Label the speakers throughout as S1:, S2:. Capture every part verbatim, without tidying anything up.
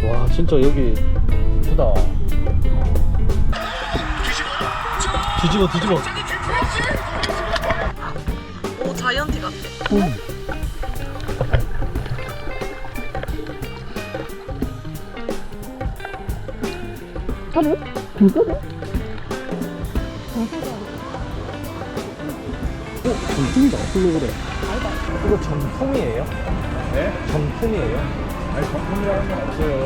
S1: 와 진짜 여기 예쁘다. 뒤집어 뒤집어.
S2: 오 자이언티 같아.
S1: 음.
S2: 하루? 진짜네?
S1: 어? 정품이다. 홀로그램. 이거 정품이에요? 네? 정품이에요? 아니 정품이라는 건 없어요.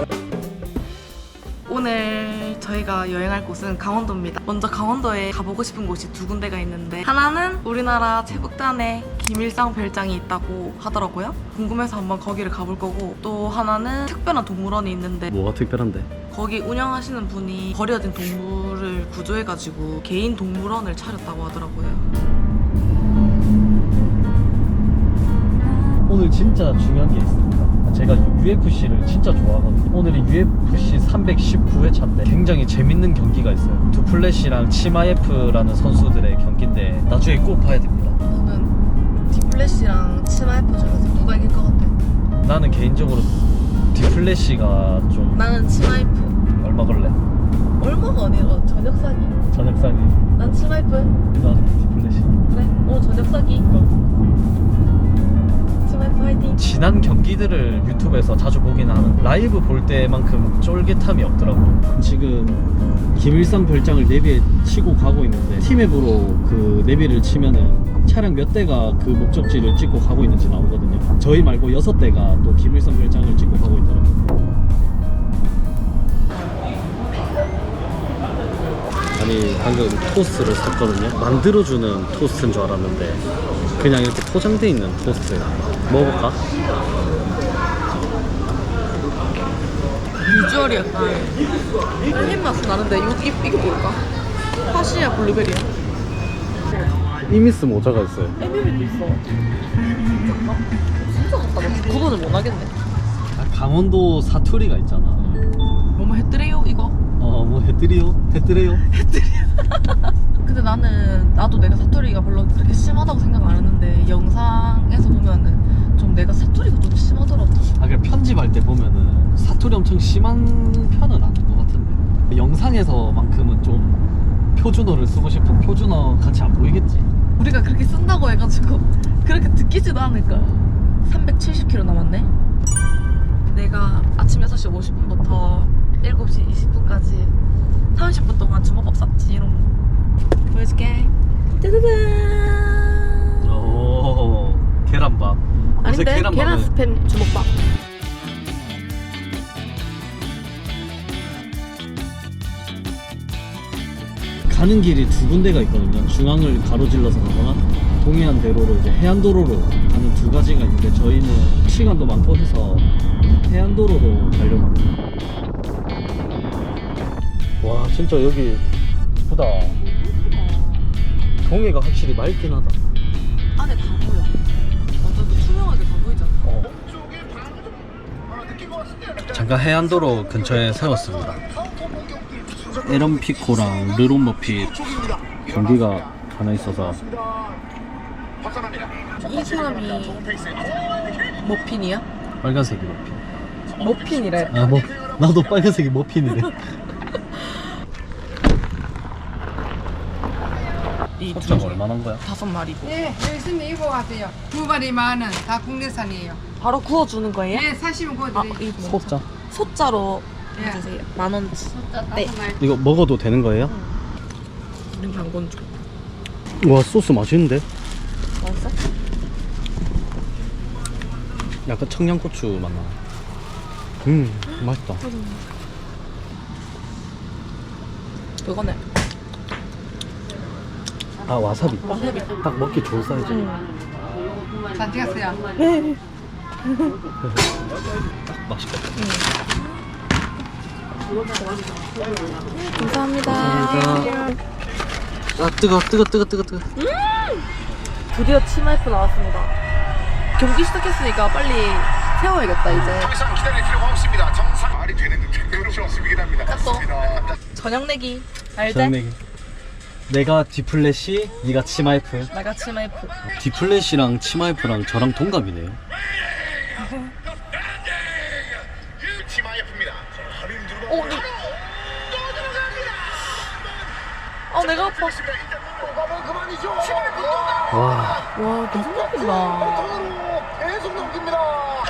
S2: 오늘 저희가 여행할 곳은 강원도입니다. 먼저 강원도에 가보고 싶은 곳이 두 군데가 있는데 하나는 우리나라 최북단에 김일성 별장이 있다고 하더라고요. 궁금해서 한번 거기를 가볼 거고, 또 하나는 특별한 동물원이 있는데
S1: 뭐가 특별한데?
S2: 거기 운영하시는 분이 버려진 동물을 구조해가지고 개인 동물원을 차렸다고 하더라고요.
S1: 오늘 진짜 중요한 게 있습니다. 제가 유에프씨를 진짜 좋아하거든요. 오늘이 유에프씨 삼백십구 회차인데 굉장히 재밌는 경기가 있어요. 두플래시랑 치마예프라는 선수들의 경기인데 나중에 꼭 봐야 됩니다.
S2: 너는 디플래시랑 치마예프 중에서 누가 이길 것 같아?
S1: 나는 개인적으로 디플래시가 좀
S2: 나는 치마예프.
S1: 얼마 걸래?
S2: 얼마가 아니라 저녁 사기.
S1: 저녁 사기.
S2: 난 치마예프.
S1: 나는 디플래시.
S2: 그래? 오늘 저녁 사기. 치마예프 화이팅.
S1: 지난 경기들을 유튜브에서 자주 보긴 하는 라이브 볼 때만큼 쫄깃함이 없더라고. 지금 김일성 별장을 내비에 치고 가고 있는데 티맵으로 그 내비를 치면은 차량 몇 대가 그 목적지를 찍고 가고 있는지 나오거든요. 저희 말고 여섯 대가 또 김일성 별장을 찍고 가고 있더라고요. 아니 방금 토스트를 샀거든요. 만들어주는 토스트인 줄 알았는데 그냥 이렇게 포장돼 있는 토스트. 먹어볼까?
S2: 비주얼이 약간 햄 맛은 나는데 이게, 이게 뭘까? 파시야 블루베리야?
S1: 이미스 모자가 있어요.
S2: 에밀리도 있어. 진짜가? 진짜 같다. 나 구분을 못 하겠네.
S1: 아, 강원도 사투리가 있잖아.
S2: 뭐뭐 했더래요 이거?
S1: 어, 뭐 해드리요? 해드려요?
S2: 근데 나는 나도 내가 사투리가 별로 그렇게 심하다고 생각 안 했는데 영상에서 보면은 좀 내가 사투리가 좀 심하더라고.
S1: 아, 그래 편집할 때 보면은 사투리 엄청 심한 편은 아닌 것 같은데 영상에서만큼은 좀 표준어를 쓰고 싶은 표준어 같이 안 보이겠지?
S2: 우리가 그렇게 쓴다고 해가지고 그렇게 듣기지도 않을까. 삼백칠십 킬로미터 남았네. 내가 아침 여섯 시 오십 분부터 일곱 시 이십 분까지 삼십 분 동안 주먹밥 샀지. 이런 보여줄게. 짜자잔.
S1: 오, 계란밥. 요새
S2: 아닌데?
S1: 계란밥을-
S2: 계란 스팸 주먹밥.
S1: 가는 길이 두 군데가 있거든요. 중앙을 가로질러서 가거나 동해안 대로로 이제 해안도로로 가는 두 가지가 있는데 저희는 시간도 많고 해서 해안도로로 가려고 합니다. 와 진짜 여기 예쁘다. 동해가 확실히 맑긴 하다.
S2: 안에 다 보여. 완전 투명하게 다 보이잖아.
S1: 어. 잠깐 해안도로 근처에 세웠습니다. 에런 피코랑 르론 머핏 경기가 하나 있어서.
S2: 이 사람이 머핀이야?
S1: 빨간색이 머핀.
S2: 머핀이래.
S1: 아 뭐 나도 빨간색이 머핀이래.
S2: 이
S1: 소짜가
S2: 둘
S1: 얼마나 한 거야?
S2: 다섯 마리고.
S3: 네, 열심히 입어가세요. 두 마리 만 원, 다 국내산이에요.
S2: 바로 구워주는 거예요?
S3: 네, 사시면
S2: 아,
S3: 구워드릴게요.
S2: 이 뭐.
S1: 소짜.
S2: 소자로
S3: 예.
S2: 해주세요. 만 원치. 네.
S1: 이거 먹어도 되는 거예요?
S2: 우린 당근주.
S1: 와 소스 맛있는데?
S2: 맛있어?
S1: 약간 청양고추 맛나. 음 맛있다.
S2: 그거네.
S1: 아 와사비.
S2: 와사비.
S1: 딱 먹기 좋은 사이즈.
S2: 응.
S3: 잘 찍었어요.
S2: 네.
S1: 딱 맛있겠다.
S2: 감사합니다.
S1: 감사합니다. 아 뜨거 뜨거 뜨거 뜨거 뜨거.
S2: 드디어 치마이프 나왔습니다. 경기 시작했으니까 빨리 세워야겠다 이제.
S4: 더 이상 기다릴 필요가 없습니다. 정상 말이 되는 듯 그렇지 않습니다.
S2: 또.
S4: 맞습니다.
S2: 저녁 내기. 알지?
S1: 저녁 내가 디플래시, 네가 치마이프.
S2: 내가 치마이프.
S1: 디플래시랑 치마이프랑 저랑 동갑이네요.
S4: 치마예프입니다.
S2: 어, 네. 아, 내가 아파.
S4: 가면 그만이죠.
S1: 와.
S2: 와, 계속 넘긴다.
S4: 통으로 계속 넘깁니다.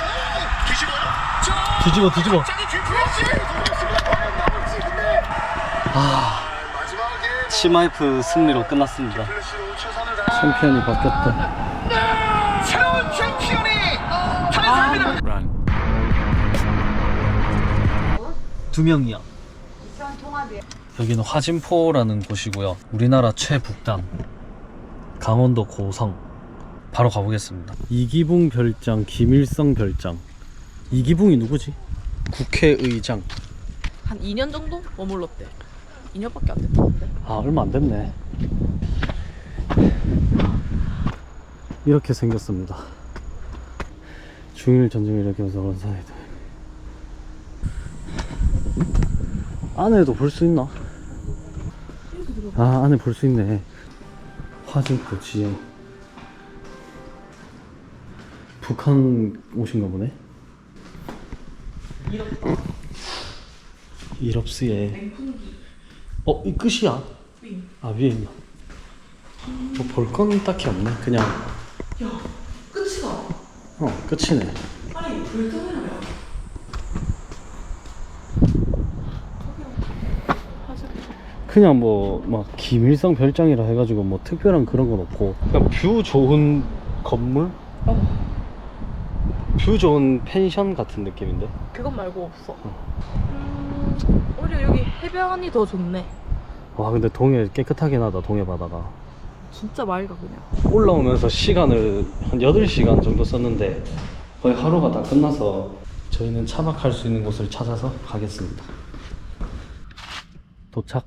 S4: 뒤집어요.
S1: 뒤집어 뒤집어.
S4: 갑자기 뒤집었지. 과연 나올지. 근데
S1: 아.
S4: 마지막에
S1: 치마이프 승리로 끝났습니다.
S4: 플래시로 최선을 다.
S1: 챔피언이 바뀌었다.
S4: 새로운 챔피언이 탄생합니다.
S1: 두 명이야. 여기는 화진포라는 곳이고요. 우리나라 최북단 강원도 고성. 바로 가보겠습니다. 이기붕 별장, 김일성 별장. 이기붕이 누구지? 국회의장.
S2: 한 이 년 정도 머물렀대. 이 년밖에 안 됐다는데.
S1: 아, 얼마 안 됐네. 이렇게 생겼습니다. 중일 전쟁을 일으키면서 원산이다. 안에도 볼 수 있나? 아, 안에 볼 수 있네. 화진포 지형. 북한 오신가 보네. 이럽스에. 어, 이 끝이야? 아, 위에 있나? 뭐 볼 건 딱히 없네. 그냥.
S2: 야, 끝이다.
S1: 어, 끝이네.
S2: 아니, 불타네요.
S1: 그냥 뭐 막 김일성 별장이라 해가지고 뭐 특별한 그런 건 없고, 그냥 뷰 좋은 건물?
S2: 어.
S1: 뷰 좋은 펜션 같은 느낌인데?
S2: 그건 말고 없어. 음, 오히려 여기 해변이 더 좋네.
S1: 와, 근데 동해 깨끗하긴 하다. 동해 바다가.
S2: 진짜 맑아 그냥.
S1: 올라오면서 시간을 한 여덟 시간 정도 썼는데 거의 하루가 다 끝나서 저희는 차박할 수 있는 곳을 찾아서 가겠습니다. 도착.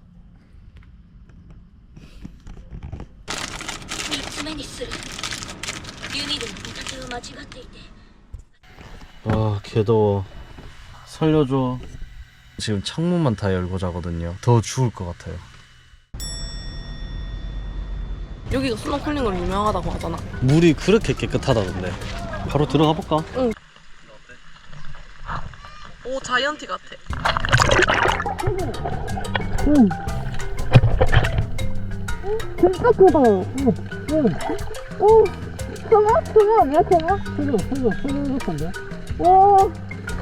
S5: みっつめにするユニルの見立てを間違っていて
S1: 아, 개더워. 살려줘. 지금 창문만 다 열고 자거든요. 더 죽을 것 같아요.
S2: 여기가 스노클링으로 유명하다고 하잖아.
S1: 물이 그렇게 깨끗하다던데. 바로 들어가 볼까?
S2: 응. 오, 자이언티 같아.
S1: 응.
S6: 진짜 크다. 응, 응. 오, 크나? 크나 아니야, 크나? 크나, 크나, 크나 같은데? 오.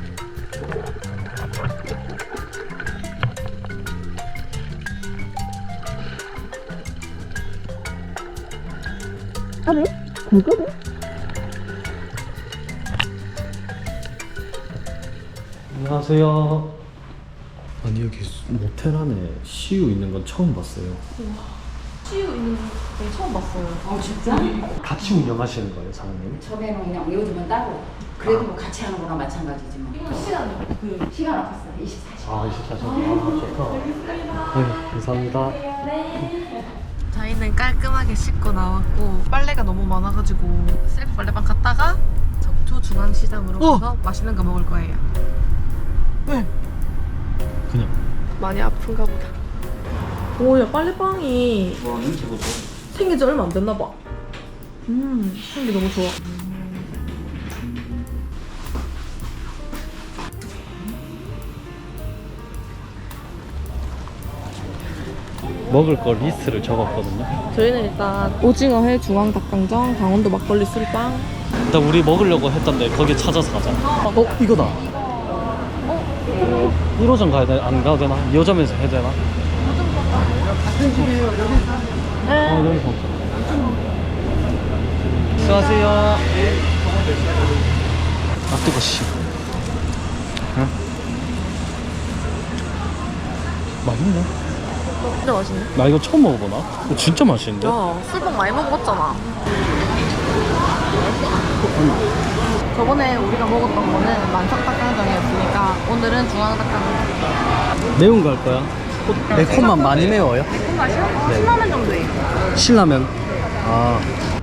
S6: 아니, 그거네?
S1: 안녕하세요. 아니, 여기 모텔 안에 시유 있는 건 처음 봤어요.
S2: 치유 있는 데 처음 봤어요.
S7: 어 진짜?
S1: 같이 운영하시는 거예요, 사장님?
S7: 처음에는 그냥 요즘은 따로 그래도 뭐 같이 하는 거랑 마찬가지지 뭐.
S2: 이건 시간이 그
S7: 시간 없었어 이십사 시간.
S1: 아, 이십사 시간. 아, 좋다. 네, 감사합니다.
S2: 저희는 깔끔하게 씻고 나왔고 빨래가 너무 많아가지고 셀프 빨래방 갔다가 적조중앙시장으로
S1: 어!
S2: 가서 맛있는 거 먹을 거예요. 왜?
S1: 그냥.
S2: 많이 아픈가 보다. 오야 빨래방이
S1: 와, 냄새 보소.
S2: 생긴 지 얼마 안 됐나 봐. 음 향기 너무 좋아.
S1: 먹을 거 리스트를 적었거든요.
S2: 저희는 일단 오징어회 중앙닭강정 강원도 막걸리 술빵.
S1: 일단 우리 먹으려고 했던데 거기 찾아서 가자. 어, 이거다. 일 호점 가야 돼? 안 가도 되나? 이 호점에서 해야 되나? 어, 여기서. 수고하세요. 아, 뜨거, 씨. 응? 맛있네.
S2: 진짜 맛있네.
S1: 나 이거 처음 먹어보나? 이거 진짜 맛있는데?
S2: 야 술빵 많이 먹어봤잖아. 저번에 우리가 먹었던 거는 만석닭강정이었으니까 오늘은 중앙닭강정.
S1: 매운 거 할 거야? 매콤만 많이 매워요?
S2: 매콤 맛이요? 어, 신라면 정도예요.
S1: 신라면. 아,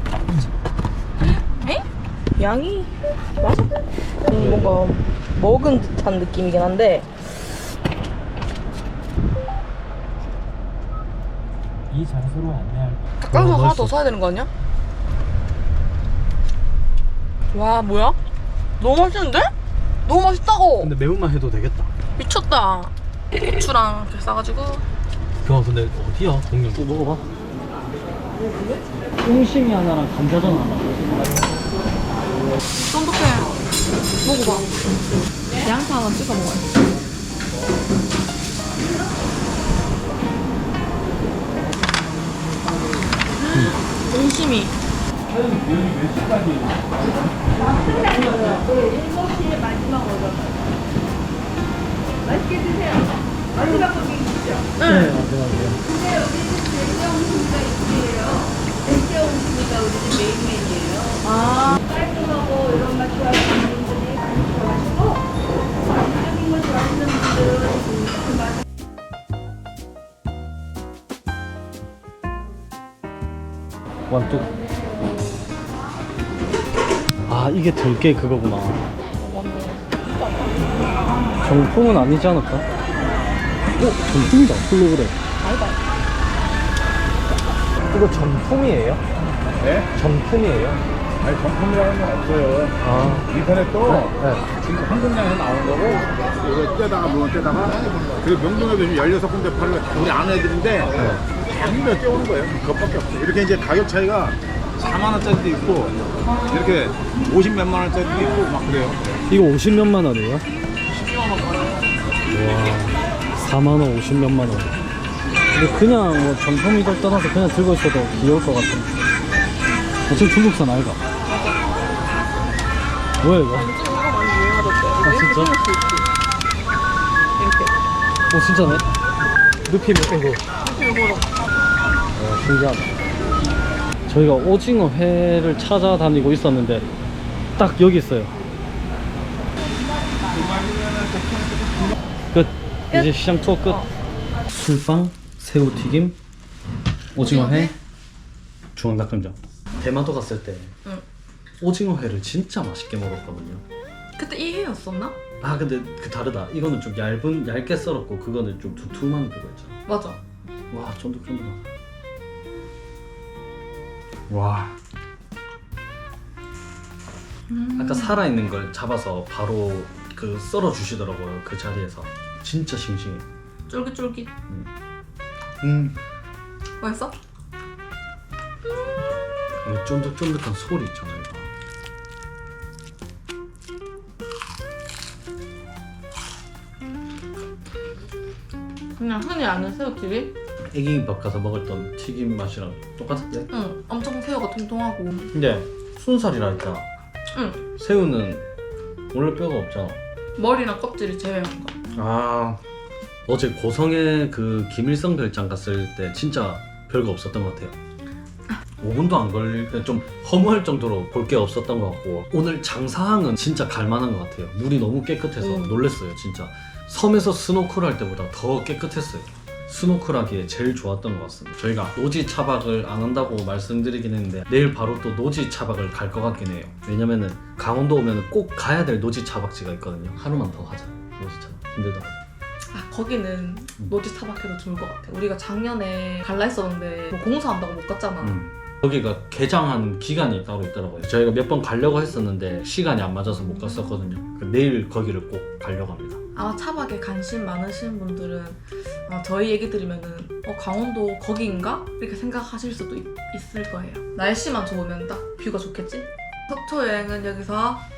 S2: 에? 양이 맞아? 음, 뭔가 먹은 듯한 느낌이긴 한데
S1: 이 장소로 안내할 거야.
S2: 닭강정 하나 더 사야 되는 거 아니야? 와 뭐야? 너무 맛있는데? 너무 맛있다고!
S1: 근데 매운맛 해도 되겠다.
S2: 미쳤다. 고추랑 이렇게 싸가지고.
S1: 야 근데 어디야 동영? 또 먹어봐. 옹심이 하나랑 감자전 하나.
S2: 쫀득해. 먹어봐. 양파 하나 찍어 먹어요. 옹심이.
S1: 네, 맞아요.
S2: 아,
S8: 깔끔하고 이런 맛 좋아하시는 분들이 많이 좋아하시고 맛있는 거 좋아하시는 분들은 그 맛.
S1: 완뚝. 아 이게 들깨 그거구나. 정품은 아니지 않을까? 어? 정품이다. 홀로그램.
S2: 아니다.
S1: 이거 정품이에요?
S4: 네?
S1: 정품이에요?
S4: 아니 정품이라는 건 없어요.
S1: 아
S4: 인터넷도
S1: 네.
S4: 지금 한국량에서 나오는 거고 이거 떼다가 물건 떼다가 그리고 명동에도 지금 열여섯 군데 팔을 우리 아는 애들인데 다몇 개 오는 거예요. 그것밖에 없어요. 이렇게 이제 가격 차이가 사만 원짜리도 있고 이렇게 오십 몇만 원짜리도 있고 막 그래요.
S1: 이거 오십 몇만 원이에요? 와, 사만 원, 오십 몇만 원. 근데 그냥 뭐 정품이들 떠나서 그냥 들고 있어도 귀여울 것 같아. 어차피 중국산 아이가. 뭐야 이거? 아 진짜? 오 진짜네? 늪이 몇 개고? 어 신기하다. 저희가 오징어 회를 찾아다니고 있었는데 딱 여기 있어요. 끝. 이제 시장 투어 끝. 술빵, 새우튀김, 오징어 회, 중앙닭강정. 대마도 갔을 때
S2: 응.
S1: 오징어 회를 진짜 맛있게 먹었거든요.
S2: 그때 이 회였었나?
S1: 아 근데 그 다르다. 이거는 좀 얇은 얇게 썰었고 그거는 좀 두툼한 그거 있잖아.
S2: 맞아.
S1: 와 쫀득쫀득하다. 와.
S2: 음.
S1: 아까 살아있는 걸 잡아서 바로 그 썰어 주시더라고요. 그 자리에서. 진짜 싱싱해.
S2: 쫄깃쫄깃.
S1: 음.
S2: 맛있어?
S1: 이 쫀득쫀득한 소리 있잖아요. 이거.
S2: 그냥 흔히 아는 새우튀김?
S1: 애기밥 가서 먹었던 튀김 맛이랑 똑같은데?
S2: 응. 엄청 새우가 통통하고.
S1: 근데 순살이라 했잖아.
S2: 응.
S1: 새우는 원래 뼈가 없잖아.
S2: 머리랑 껍질이 제외한 거.
S1: 아 어제 고성에 그 김일성 별장 갔을 때 진짜 별거 없었던 것 같아요. 오 분도 안 걸릴 좀 허무할 정도로 볼 게 없었던 것 같고 오늘 장사항은 진짜 갈만한 것 같아요. 물이 너무 깨끗해서
S2: 음.
S1: 놀랬어요 진짜. 섬에서 스노클 할 때보다 더 깨끗했어요. 스노클하기에 제일 좋았던 것 같습니다. 저희가 노지 차박을 안 한다고 말씀드리긴 했는데 내일 바로 또 노지 차박을 갈 것 같긴 해요. 왜냐면은 강원도 오면 꼭 가야 될 노지 차박지가 있거든요. 하루만 더 하자. 노지 차박 힘들다.
S2: 아, 거기는 노지 차박해도 좋을 것 같아. 우리가 작년에 갈라 했었는데 뭐 공사한다고 못 갔잖아.
S1: 음. 거기가 개장한 기간이 따로 있더라고요. 저희가 몇 번 가려고 했었는데 시간이 안 맞아서 못 갔었거든요. 내일 거기를 꼭 가려고 합니다.
S2: 아마 차박에 관심 많으신 분들은 아, 저희 얘기 들으면은 어, 강원도 거기인가? 이렇게 생각하실 수도 있, 있을 거예요. 날씨만 좋으면 딱 뷰가 좋겠지? 속초 여행은 여기서